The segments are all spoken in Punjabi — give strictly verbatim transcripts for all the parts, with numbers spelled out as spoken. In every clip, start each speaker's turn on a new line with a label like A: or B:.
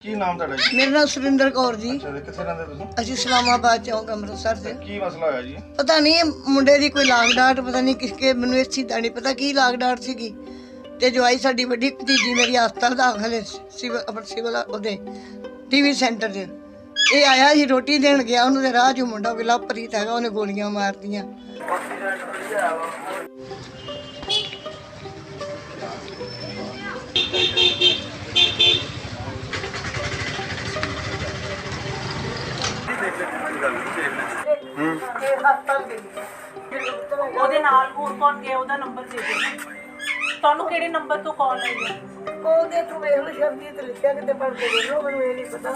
A: ਕੀ ਨਾਮ ਤੁਹਾਡਾ ਜੀ?
B: मेरा नाम सुरिंदर कौर जी।
A: ਅੱਛਾ ਜੀ, ਕਿੱਥੇ ਰਹਿੰਦੇ ਤੁਸੀਂ?
B: ਅਸੀਂ ਇਸਲਾਮਾਬਾਦ ਚੌਂਕ ਅੰਮ੍ਰਿਤਸਰ से।
A: ਕੀ ਮਸਲਾ ਹੋਇਆ ਜੀ?
B: ਪਤਾ ਨਹੀਂ ਮੁੰਡੇ ਦੀ ਕੋਈ ਲਾਗ ਡਾਟ, ਪਤਾ ਨਹੀਂ ਕਿਸਕੇ, ਮੈਨੂੰ ਇਸ ਚੀਜ਼ ਦਾ ਨਹੀਂ ਪਤਾ ਕੀ ਲਾਗ ਡਾਟ ਸੀਗੀ। ਤੇ ਜਵਾਈ ਸਾਡੀ ਵੱਡੀ ਭਤੀਜੀ ਮੇਰੀ ਹਸਪਤਾਲ ਦਾਖਲ ਹੈ, ਸਿਵਲ ਆਪਣਾ ਸਿਵਲ ਉਹਦੇ ਟੀਵੀ ਸੈਂਟਰ 'ਚ। ਇਹ ਆਇਆ ਸੀ ਰੋਟੀ ਦੇਣ ਗਿਆ, ਉਹਨੂੰ ਤੇ ਰਾਹ 'ਚ ਮੁੰਡਾ ਕੋਈ ਲਵਪ੍ਰੀਤ ਹੈਗਾ, ਉਹਨੇ ਗੋਲੀਆਂ ਮਾਰਤੀਆਂ।
C: ਉਹਦੇ ਨਾਲ ਹੋਰ ਕੌਣ ਗਿਆ? ਉਹਦਾ ਨੰਬਰ ਦੇ ਦਿਓ। ਤੁਹਾਨੂੰ ਕਿਹੜੇ ਨੰਬਰ ਤੋਂ ਕਾਲ ਆਈ ਹੈ?
B: ਉਹਦੇ ਤੋਂ ਵੇਖ ਲਓ, ਸ਼ਬਦੀ ਤੇ ਲਿਖਿਆ ਕਿਤੇ ਪੜ੍ਹ ਕੇ ਵੇਖ ਲਓ, ਮੈਨੂੰ ਇਹ ਨਹੀਂ ਪਤਾ।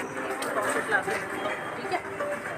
C: ਠੀਕ ਹੈ।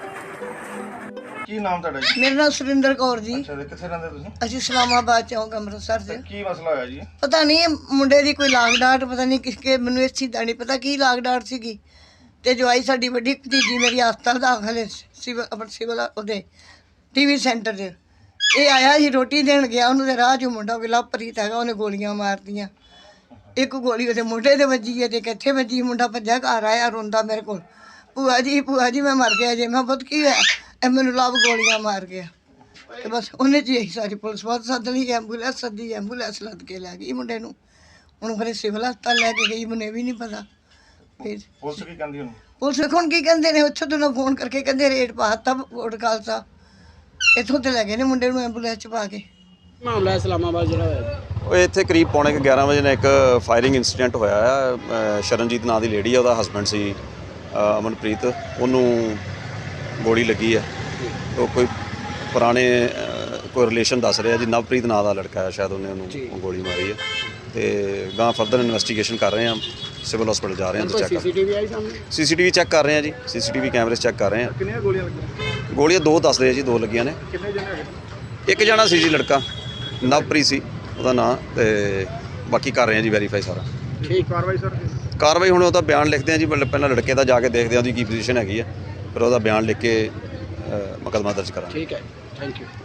A: ਕੀ ਨਾਮ ਤੁਹਾਡਾ ਜੀ?
B: ਮੇਰਾ ਨਾਮ ਸੁਰਿੰਦਰ ਕੌਰ ਜੀ।
A: ਅੱਛਾ ਜੀ, ਕਿੱਥੇ ਰਹਿੰਦੇ ਤੁਸੀਂ?
B: ਅਸੀਂ ਇਸਲਾਮਾਬਾਦ ਚੌਂਕ ਅੰਮ੍ਰਿਤਸਰ से।
A: ਕੀ ਮਸਲਾ ਹੋਇਆ ਜੀ?
B: ਪਤਾ ਨਹੀਂ ਮੁੰਡੇ ਦੀ ਕੋਈ ਲਾਗ ਡਾਟ, ਪਤਾ ਨਹੀਂ ਕਿਸਕੇ, ਮੈਨੂੰ ਇਸ ਚੀਜ਼ ਦਾ ਨਹੀਂ ਪਤਾ ਕੀ ਲਾਗ ਡਾਟ ਸੀਗੀ। ਤੇ ਜਵਾਈ ਸਾਡੀ ਵੱਡੀ ਭਤੀਜੀ ਮੇਰੀ ਹਸਪਤਾਲ ਦਾਖਲ ਹੈ, ਸਿਵਲ ਆਪਣਾ ਸਿਵਲ ਉਹਦੇ ਟੀਵੀ ਸੈਂਟਰ 'ਚ। ਇਹ ਆਇਆ ਸੀ ਰੋਟੀ ਦੇਣ ਗਿਆ, ਉਹਨੂੰ ਤੇ ਰਾਹ 'ਚ ਮੁੰਡਾ ਕੋਈ ਲਵਪ੍ਰੀਤ ਹੈਗਾ, ਉਹਨੇ ਗੋਲੀਆਂ ਮਾਰਤੀਆਂ। ਇੱਕ ਗੋਲੀ ਉਹਦੇ ਮੋਢੇ ਤੇ ਵੱਜੀ ਹੈ ਤੇ ਕਿੱਥੇ ਵੱਜੀ। ਮੁੰਡਾ ਭੱਜਾ ਘਰ ਆਇਆ ਰੋਂਦਾ ਮੇਰੇ ਕੋਲ, ਭੂਆ ਜੀ ਭੂਆ ਜੀ ਮੈਂ ਮਰ ਗਿਆ ਜੇ। ਮੈਂ ਪੁੱਤ ਕੀ ਹੋਇਆ? ਇਹ ਮੈਨੂੰ ਲਵ ਗੋਲੀਆਂ ਮਾਰ ਗਿਆ। ਤੇ ਬਸ ਉਹਨੇ 'ਚ ਹੀ ਸਾਰੀ ਪੁਲਿਸ ਬਹੁਤ ਸੱਦ ਲਈ, ਐਂਬੂਲੈਂਸ ਸੱਦੀ, ਐਂਬੂਲੈਂਸ ਲੱਦ ਕੇ ਲੈ ਗਈ ਮੁੰਡੇ ਨੂੰ। ਹੁਣ ਫਿਰ ਸਿਵਲ ਹਸਪਤਾਲ ਲੈ ਕੇ ਗਈ, ਮੈਨੂੰ ਇਹ ਵੀ ਨਹੀਂ ਪਤਾ। ਫਿਰ
A: ਪੁਲਿਸ ਕੀ ਕਹਿੰਦੀ ਹੁਣ?
B: ਪੁਲਿਸ ਵੇਖੋ ਹੁਣ ਕੀ ਕਹਿੰਦੇ ਨੇ, ਉੱਥੋਂ ਤੋਂ ਫੋਨ ਕਰਕੇ ਕਹਿੰਦੇ ਰੇਟ ਪਾਤਾ ਕੋਟ ਖਾਲਸਾ। ਇੱਥੋਂ ਤੇ ਲੈ ਗਏ ਨੇ ਮੁੰਡੇ ਨੂੰ ਐਂਬੂਲੈਂਸ 'ਚ ਪਾ ਕੇ।
D: ਮਾਮਲਾ ਇਸਲਾਮਾਬਾਦ ਜਿਹੜਾ ਹੋਇਆ
E: ਉਹ ਇੱਥੇ ਕਰੀਬ ਪੌਣੇ ਕੁ ਗਿਆਰਾਂ ਵਜੇ ਨਾਲ ਇੱਕ ਫਾਇਰਿੰਗ ਇਨਸੀਡੈਂਟ ਹੋਇਆ ਆ। ਅ, ਸ਼ਰਨਜੀਤ ਨਾਂ ਦੀ ਲੇਡੀ ਆ, ਉਹਦਾ ਹਸਬੈਂਡ ਸੀ ਅ, ਅਮਨਪ੍ਰੀਤ, ਉਹਨੂੰ ਗੋਲੀ ਲੱਗੀ ਆ। ਉਹ ਕੋਈ ਪੁਰਾਣੇ ਅ, ਕੋਈ ਰਿਲੇਸ਼ਨ ਦੱਸ ਰਿਹਾ ਜੀ, ਨਵਪ੍ਰੀਤ ਨਾਂ ਦਾ ਲੜਕਾ ਹੈ ਸ਼ਾਇਦ, ਉਹਨੇ ਉਹਨੂੰ ਗੋਲੀ ਮਾਰੀ ਆ। ਤੇ ਗਾਂ ਫਰਦਰ ਇਨਵੈਸਟੀਗੇਸ਼ਨ ਕਰ ਰਹੇ ਆ, ਸਿਵਲ ਹਸਪੀਟਲ ਜਾ ਰਹੇ ਹਾਂ ਤੇ ਚੈੱਕ ਕਰ
D: ਸੀਸੀਟੀਵੀ ਆਈ ਸਾਹਮਣੇ।
E: ਸੀਸੀਟੀਵੀ ਚੈੱਕ ਕਰ ਰਹੇ ਆ ਜੀ, ਸੀਸੀਟੀਵੀ ਕੈਮਰੇ ਚੈੱਕ ਕਰ ਰਹੇ ਆ।
A: ਕਿੰਨੀਆਂ ਗੋਲੀਆਂ ਲੱਗੀਆਂ?
E: ਗੋਲੀਆਂ ਦੋ ਦੱਸਦੇ ਆ ਜੀ, ਦੋ ਲੱਗੀਆਂ ਨੇ।
A: ਕਿੰਨੇ ਜਣੇ ਹੈਗੇ?
E: ਇੱਕ ਜਣਾ ਸੀ ਜੀ ਲੜਕਾ, ਨਵਪ੍ਰੀਤ ਸੀ ਉਹਦਾ ਨਾਂ। ਤੇ ਬਾਕੀ ਕਰ ਰਹੇ ਆ ਜੀ ਵੈਰੀਫਾਈ ਸਾਰਾ।
A: ਠੀਕ ਕਾਰਵਾਈ ਸਰ?
E: ਕਾਰਵਾਈ ਹੁਣ ਉਹਦਾ ਬਿਆਨ ਲਿਖਦੇ ਆ ਜੀ, ਪਹਿਲਾਂ ਲੜਕੇ ਦਾ ਜਾ ਕੇ ਦੇਖਦੇ ਆ ਉਹਦੀ ਕੀ ਪੋਜੀਸ਼ਨ ਹੈਗੀ ਆ, ਫਿਰ ਉਹਦਾ ਬਿਆਨ ਲਿਖ ਕੇ ਮੁਕੱਦਮਾ ਦਰਜ ਕਰਾਂਗੇ।
D: ਠੀਕ ਹੈ, ਥੈਂਕ ਯੂ।